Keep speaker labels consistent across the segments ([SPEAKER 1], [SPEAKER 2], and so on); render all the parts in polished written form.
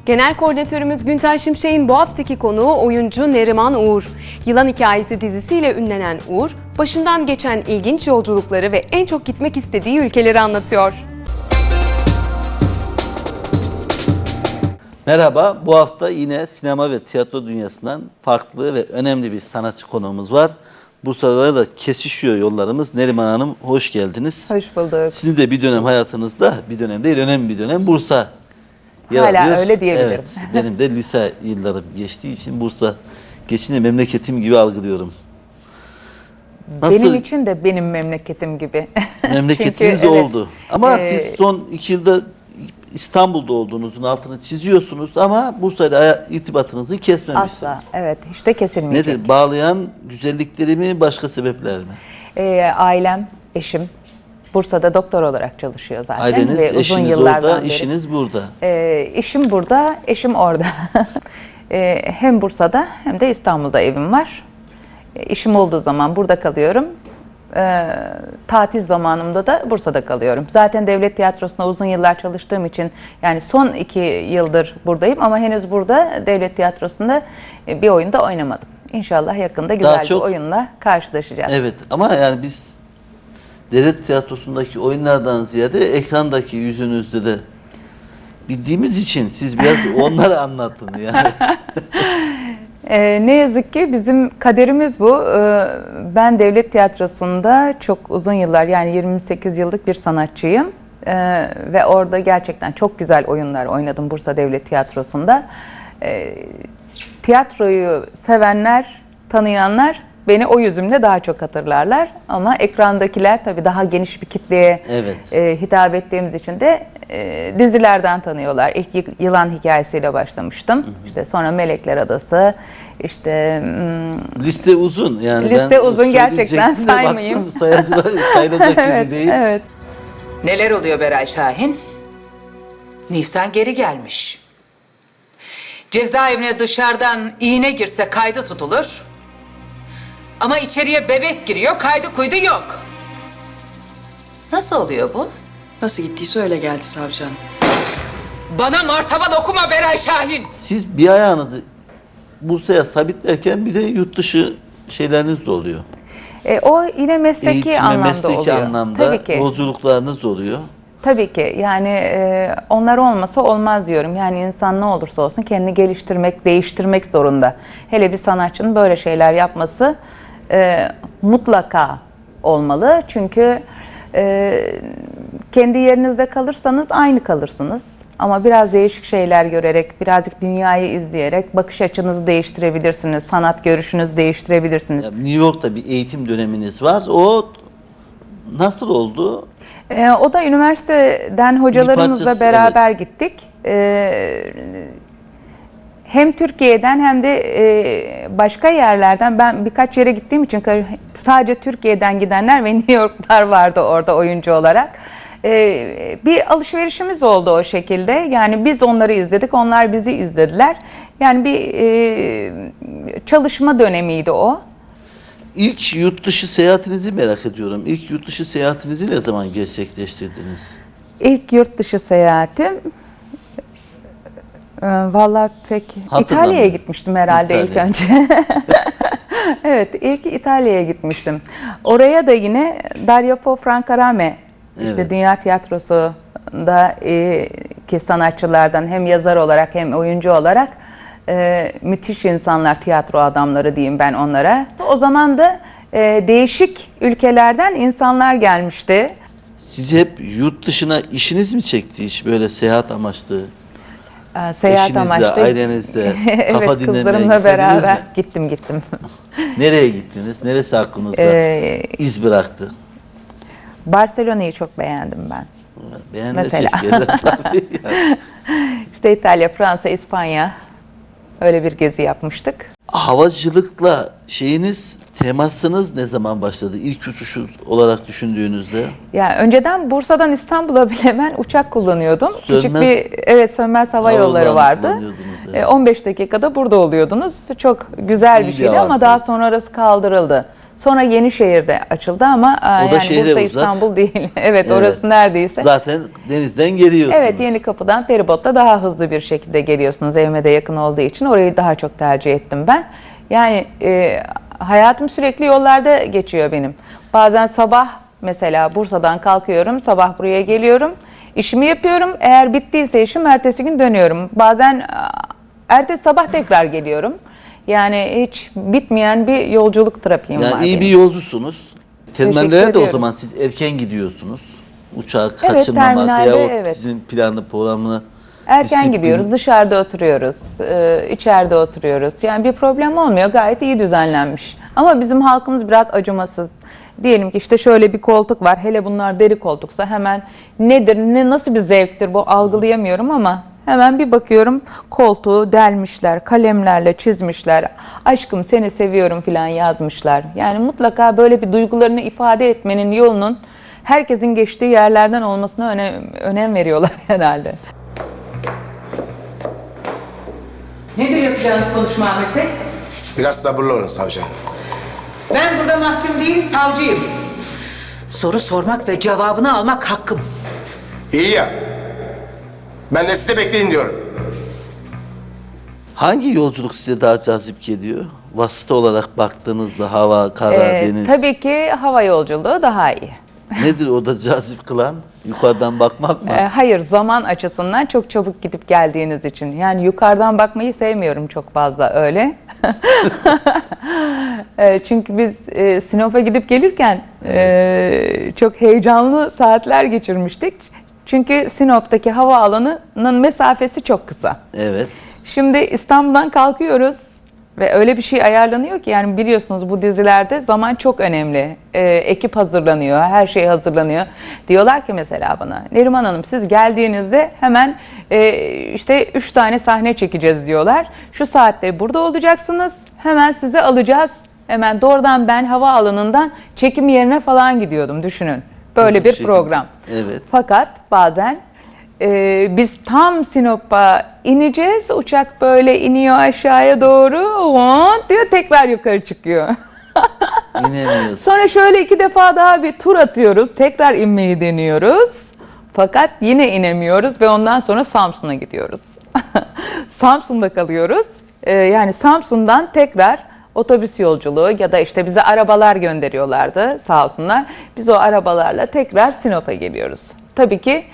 [SPEAKER 1] Genel koordinatörümüz Günter Şimşek'in bu haftaki konuğu oyuncu Neriman Uğur. Yılan Hikayesi dizisiyle ünlenen Uğur, başından geçen ilginç yolculukları ve en çok gitmek istediği ülkeleri anlatıyor.
[SPEAKER 2] Merhaba, bu hafta yine sinema ve tiyatro dünyasından farklı ve önemli bir sanatçı konuğumuz var. Bursa'da da kesişiyor yollarımız. Neriman Hanım, hoş geldiniz.
[SPEAKER 3] Hoş bulduk.
[SPEAKER 2] Sizin de bir dönem hayatınızda, bir dönem değil, önemli bir dönem Bursa yer
[SPEAKER 3] Hala
[SPEAKER 2] alıyor.
[SPEAKER 3] öyle diyebilirim.
[SPEAKER 2] Evet, benim de lise yıllarım geçtiği için Bursa geçince memleketim gibi algılıyorum.
[SPEAKER 3] Benim için de benim memleketim gibi.
[SPEAKER 2] Memleketiniz
[SPEAKER 3] Çünkü, evet,
[SPEAKER 2] oldu. Ama siz son 2 yılda İstanbul'da olduğunuzun altını çiziyorsunuz ama Bursa'yla irtibatınızı kesmemişsiniz.
[SPEAKER 3] Asla, evet, hiç de kesilmeyecek.
[SPEAKER 2] Nedir? Bağlayan güzellikleri mi, başka sebepler mi?
[SPEAKER 3] Ailem, eşim Bursa'da doktor olarak çalışıyor zaten.
[SPEAKER 2] Aileniz,
[SPEAKER 3] ve uzun
[SPEAKER 2] eşiniz
[SPEAKER 3] yıllardan
[SPEAKER 2] orada,
[SPEAKER 3] beri.
[SPEAKER 2] işiniz burada.
[SPEAKER 3] İşim burada, eşim orada. Hem Bursa'da hem de İstanbul'da evim var. İşim olduğu zaman burada kalıyorum. Tatil zamanımda da Bursa'da kalıyorum. Zaten devlet tiyatrosunda uzun yıllar çalıştığım için yani son 2 yıldır buradayım ama henüz burada devlet tiyatrosunda bir oyunda oynamadım. İnşallah yakında güzel bir oyunla karşılaşacağız.
[SPEAKER 2] Evet ama yani biz devlet tiyatrosundaki oyunlardan ziyade ekrandaki yüzünüzde de bildiğimiz için siz biraz onları anlatın yani.
[SPEAKER 3] Ne yazık ki bizim kaderimiz bu. Ben devlet tiyatrosunda çok uzun yıllar yani 28 yıllık bir sanatçıyım. Ve orada gerçekten çok güzel oyunlar oynadım Bursa Devlet Tiyatrosu'nda. Tiyatroyu sevenler, tanıyanlar beni o yüzümle daha çok hatırlarlar. Ama ekrandakiler tabii daha geniş bir kitleye hitap ettiğimiz için de dizilerden tanıyorlar. İlk Yılan Hikayesi'yle başlamıştım. İşte sonra Melekler Adası, işte
[SPEAKER 2] liste uzun yani.
[SPEAKER 3] Liste uzun, gerçekten saymayayım.
[SPEAKER 2] Sayılacak gibi değil.
[SPEAKER 3] Evet.
[SPEAKER 4] Neler oluyor Beray Şahin? Nisan geri gelmiş. Cezaevine dışarıdan iğne girse kaydı tutulur. Ama içeriye bebek giriyor, kaydı kuydu yok. Nasıl oluyor bu?
[SPEAKER 5] Nasıl gittiyse öyle geldi savcı hanım.
[SPEAKER 4] Bana martaval okuma Beray Şahin.
[SPEAKER 2] Siz bir ayağınızı Bursa'ya sabitlerken bir de yurt dışı şeyleriniz de oluyor.
[SPEAKER 3] O yine mesleki
[SPEAKER 2] Eğitime,
[SPEAKER 3] anlamda
[SPEAKER 2] mesleki
[SPEAKER 3] oluyor.
[SPEAKER 2] anlamda
[SPEAKER 3] Tabii ki.
[SPEAKER 2] yolculuklarınız oluyor.
[SPEAKER 3] Tabii ki yani onlar olmasa olmaz diyorum. Yani insan ne olursa olsun kendini geliştirmek, değiştirmek zorunda. Hele bir sanatçının böyle şeyler yapması mutlaka olmalı. Çünkü kendi yerinizde kalırsanız aynı kalırsınız. Ama biraz değişik şeyler görerek, birazcık dünyayı izleyerek bakış açınızı değiştirebilirsiniz. Sanat görüşünüzü değiştirebilirsiniz.
[SPEAKER 2] Ya, New York'ta bir eğitim döneminiz var. O nasıl oldu?
[SPEAKER 3] O da üniversiteden hocalarımızla beraber gittik. Hem Türkiye'den hem de başka yerlerden, ben birkaç yere gittiğim için sadece Türkiye'den gidenler ve New York'lar vardı orada oyuncu olarak. Bir alışverişimiz oldu o şekilde. Yani biz onları izledik, onlar bizi izlediler. Yani bir çalışma dönemiydi o.
[SPEAKER 2] İlk yurt dışı seyahatinizi merak ediyorum. İlk yurt dışı seyahatinizi ne zaman gerçekleştirdiniz?
[SPEAKER 3] İlk yurt dışı seyahatim vallahi pek İtalya'ya gitmiştim herhalde ilk önce. Evet, ilk İtalya'ya gitmiştim. Oraya da yine Dario Fo Francarame, işte Dünya Tiyatrosu'nda ki sanatçılardan hem yazar olarak hem oyuncu olarak müthiş insanlar, tiyatro adamları diyeyim ben onlara. O zaman da değişik ülkelerden insanlar gelmişti.
[SPEAKER 2] Sizi hep yurt dışına işiniz mi çekti, hiç böyle seyahat amaçlı?
[SPEAKER 3] Seyahat
[SPEAKER 2] eşinizle,
[SPEAKER 3] amaçlı.
[SPEAKER 2] ailenizle, kafa
[SPEAKER 3] evet,
[SPEAKER 2] dinlemeye
[SPEAKER 3] kızlarımla beraber
[SPEAKER 2] mi?
[SPEAKER 3] gittim.
[SPEAKER 2] Nereye gittiniz? Neresi aklınızda iz bıraktı?
[SPEAKER 3] Barcelona'yı çok beğendim ben.
[SPEAKER 2] Beğenmesek tabii. Yani.
[SPEAKER 3] İşte İtalya, Fransa, İspanya öyle bir gezi yapmıştık.
[SPEAKER 2] Havacılıkla temasınız ne zaman başladı? İlk uçuşu olarak düşündüğünüzde?
[SPEAKER 3] Ya önceden Bursa'dan İstanbul'a bile ben uçak kullanıyordum.
[SPEAKER 2] Sönmez,
[SPEAKER 3] Sönmez hava yolları vardı. 15 dakikada burada oluyordunuz. Çok güzel bir şeydi ama daha sonra orası kaldırıldı. Sonra Yenişehir'de açıldı ama
[SPEAKER 2] O da şehre
[SPEAKER 3] Bursa
[SPEAKER 2] uzak.
[SPEAKER 3] İstanbul değil. Evet,
[SPEAKER 2] Evet.
[SPEAKER 3] orası neredeyse.
[SPEAKER 2] Zaten denizden geliyorsunuz.
[SPEAKER 3] Evet, Yenikapı'dan feribotla daha hızlı bir şekilde geliyorsunuz. Evime de yakın olduğu için orayı daha çok tercih ettim ben. Yani hayatım sürekli yollarda geçiyor benim. Bazen sabah mesela Bursa'dan kalkıyorum, sabah buraya geliyorum. İşimi yapıyorum. Eğer bittiyse işim ertesi gün dönüyorum. Bazen ertesi sabah tekrar geliyorum. Yani hiç bitmeyen bir yolculuk trafiğim var
[SPEAKER 2] Yani iyi
[SPEAKER 3] benim.
[SPEAKER 2] bir yolcusunuz. Terminallere de o
[SPEAKER 3] ediyorum.
[SPEAKER 2] zaman siz erken gidiyorsunuz. Uçağı
[SPEAKER 3] Evet,
[SPEAKER 2] kaçırmamak
[SPEAKER 3] terminalde
[SPEAKER 2] veya o
[SPEAKER 3] evet.
[SPEAKER 2] sizin planlı programını
[SPEAKER 3] Erken
[SPEAKER 2] disiplin-
[SPEAKER 3] gidiyoruz, dışarıda oturuyoruz, içeride oturuyoruz. Yani bir problem olmuyor, gayet iyi düzenlenmiş. Ama bizim halkımız biraz acımasız. Diyelim ki işte şöyle bir koltuk var, hele bunlar deri koltuksa hemen nedir, nasıl bir zevktir bu algılayamıyorum ama hemen bir bakıyorum koltuğu delmişler, kalemlerle çizmişler, aşkım seni seviyorum falan yazmışlar. Yani mutlaka böyle bir duygularını ifade etmenin yolunun herkesin geçtiği yerlerden olmasına önem veriyorlar herhalde. Nedir yapacağınız konuşma Ahmet Bey?
[SPEAKER 6] Biraz sabırlı olun savcı hanım.
[SPEAKER 4] Ben burada mahkum değil, savcıyım. Soru sormak ve cevabını almak hakkım.
[SPEAKER 6] İyi ya. Ben de size bekleyin diyorum.
[SPEAKER 2] Hangi yolculuk size daha cazip geliyor? Vasıta olarak baktığınızda hava, kara, deniz.
[SPEAKER 3] Tabii ki hava yolculuğu daha iyi.
[SPEAKER 2] Nedir orada cazip kılan? Yukarıdan bakmak mı?
[SPEAKER 3] Hayır, zaman açısından çok çabuk gidip geldiğiniz için. Yani yukarıdan bakmayı sevmiyorum çok fazla öyle. Çünkü biz Sinop'a gidip gelirken çok heyecanlı saatler geçirmiştik. Çünkü Sinop'taki havaalanının mesafesi çok kısa.
[SPEAKER 2] Evet.
[SPEAKER 3] Şimdi İstanbul'dan kalkıyoruz ve öyle bir şey ayarlanıyor ki yani biliyorsunuz bu dizilerde zaman çok önemli. Ekip hazırlanıyor, her şey hazırlanıyor. Diyorlar ki mesela bana, Neriman Hanım siz geldiğinizde hemen işte 3 tane sahne çekeceğiz diyorlar. Şu saatte burada olacaksınız, hemen sizi alacağız. Hemen doğrudan ben havaalanından çekim yerine falan gidiyordum düşünün. Böyle
[SPEAKER 2] Hızlı bir
[SPEAKER 3] bir
[SPEAKER 2] şekilde.
[SPEAKER 3] program.
[SPEAKER 2] Evet.
[SPEAKER 3] Fakat bazen biz tam Sinop'a ineceğiz. Uçak böyle iniyor aşağıya doğru. Diyor tekrar yukarı çıkıyor.
[SPEAKER 2] İnemiyoruz.
[SPEAKER 3] Sonra şöyle 2 defa daha bir tur atıyoruz. Tekrar inmeyi deniyoruz. Fakat yine inemiyoruz ve ondan sonra Samsun'a gidiyoruz. Samsun'da kalıyoruz. Yani Samsun'dan tekrar otobüs yolculuğu ya da işte bize arabalar gönderiyorlardı sağ olsunlar. Biz o arabalarla tekrar Sinop'a geliyoruz. Tabii ki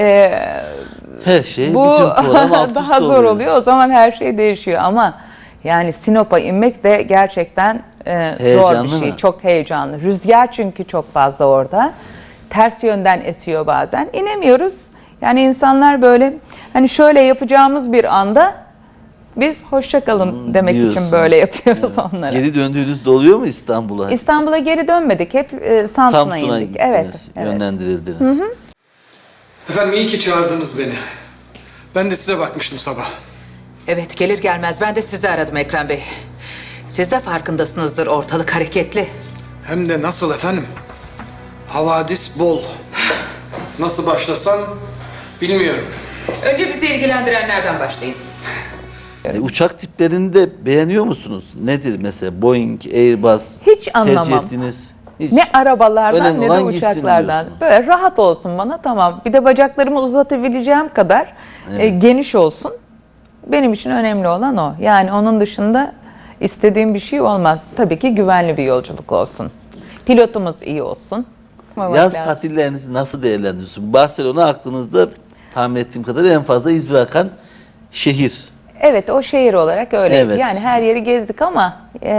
[SPEAKER 2] Her şey,
[SPEAKER 3] bu
[SPEAKER 2] bütün program alt üst
[SPEAKER 3] daha zor oluyor. O zaman her şey değişiyor ama yani Sinop'a inmek de gerçekten zor
[SPEAKER 2] Heyecanlı
[SPEAKER 3] bir şey.
[SPEAKER 2] mı?
[SPEAKER 3] Çok heyecanlı. Rüzgar çünkü çok fazla orada. Ters yönden esiyor bazen. İnemiyoruz. Yani insanlar böyle hani şöyle yapacağımız bir anda biz hoşça kalın demek için
[SPEAKER 2] Diyorsunuz.
[SPEAKER 3] böyle yapıyoruz
[SPEAKER 2] Evet.
[SPEAKER 3] onlara.
[SPEAKER 2] Geri döndüğünüzde oluyor mu İstanbul'a?
[SPEAKER 3] İstanbul'a geri dönmedik. Hep Samsun'a
[SPEAKER 2] Samsun'a
[SPEAKER 3] indik.
[SPEAKER 2] gittiniz,
[SPEAKER 3] Evet.
[SPEAKER 2] yönlendirildiniz.
[SPEAKER 7] Efendim iyi ki çağırdınız beni. Ben de size bakmıştım sabah.
[SPEAKER 4] Evet, gelir gelmez ben de sizi aradım Ekrem Bey. Siz de farkındasınızdır, ortalık hareketli.
[SPEAKER 7] Hem de nasıl efendim? Havadis bol. Nasıl başlasam bilmiyorum.
[SPEAKER 4] Önce bizi ilgilendirenlerden başlayın.
[SPEAKER 2] Uçak tiplerini de beğeniyor musunuz? Nedir mesela Boeing, Airbus?
[SPEAKER 3] Hiç
[SPEAKER 2] Tercih
[SPEAKER 3] anlamam.
[SPEAKER 2] ettiğiniz? Hiç.
[SPEAKER 3] Ne arabalardan
[SPEAKER 2] Önemli
[SPEAKER 3] ne de
[SPEAKER 2] olan gitsin
[SPEAKER 3] uçaklardan.
[SPEAKER 2] diyorsunuz.
[SPEAKER 3] Böyle rahat olsun bana tamam. Bir de bacaklarımı uzatabileceğim kadar geniş olsun. Benim için önemli olan o. Yani onun dışında istediğim bir şey olmaz. Tabii ki güvenli bir yolculuk olsun. Pilotumuz iyi olsun.
[SPEAKER 2] Yaz
[SPEAKER 3] lazım.
[SPEAKER 2] tatillerinizi nasıl değerlendiriyorsunuz? Barcelona aklınızda tahmin ettiğim kadar en fazla iz bırakan şehir.
[SPEAKER 3] Evet o şehir olarak öyle.
[SPEAKER 2] Evet.
[SPEAKER 3] Yani her yeri gezdik ama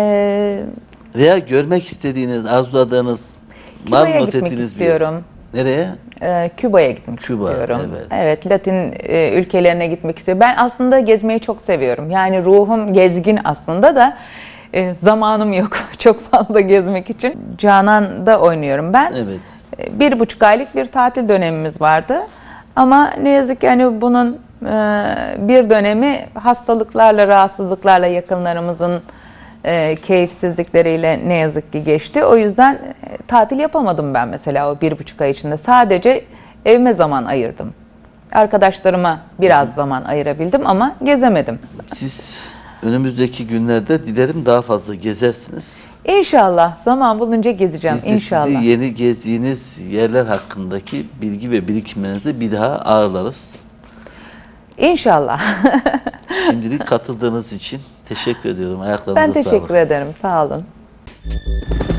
[SPEAKER 2] Veya görmek istediğiniz, arzuladığınız var mı
[SPEAKER 3] Küba'ya
[SPEAKER 2] not
[SPEAKER 3] gitmek
[SPEAKER 2] ettiğiniz bir yer?
[SPEAKER 3] istiyorum.
[SPEAKER 2] Nereye?
[SPEAKER 3] Küba'ya gitmek
[SPEAKER 2] Küba,
[SPEAKER 3] istiyorum.
[SPEAKER 2] evet.
[SPEAKER 3] Evet, Latin ülkelerine gitmek istiyorum. Ben aslında gezmeyi çok seviyorum. Yani ruhum gezgin aslında da zamanım yok çok fazla gezmek için. Canan'da oynuyorum ben.
[SPEAKER 2] Evet.
[SPEAKER 3] 1,5 aylık bir tatil dönemimiz vardı. Ama ne yazık ki hani bunun bir dönemi hastalıklarla, rahatsızlıklarla yakınlarımızın keyifsizlikleriyle ne yazık ki geçti. O yüzden tatil yapamadım ben mesela o 1,5 ay içinde. Sadece evime zaman ayırdım. Arkadaşlarıma biraz zaman ayırabildim ama gezemedim.
[SPEAKER 2] Siz Önümüzdeki günlerde dilerim daha fazla gezersiniz.
[SPEAKER 3] İnşallah zaman bulunca gezeceğim
[SPEAKER 2] Biz de
[SPEAKER 3] inşallah.
[SPEAKER 2] sizi yeni gezdiğiniz yerler hakkındaki bilgi ve birikimlerinizi bir daha ağırlarız.
[SPEAKER 3] İnşallah.
[SPEAKER 2] Şimdilik katıldığınız için teşekkür ediyorum. Ayaklarınıza
[SPEAKER 3] Ben
[SPEAKER 2] sağlık.
[SPEAKER 3] teşekkür ederim. Sağ olun.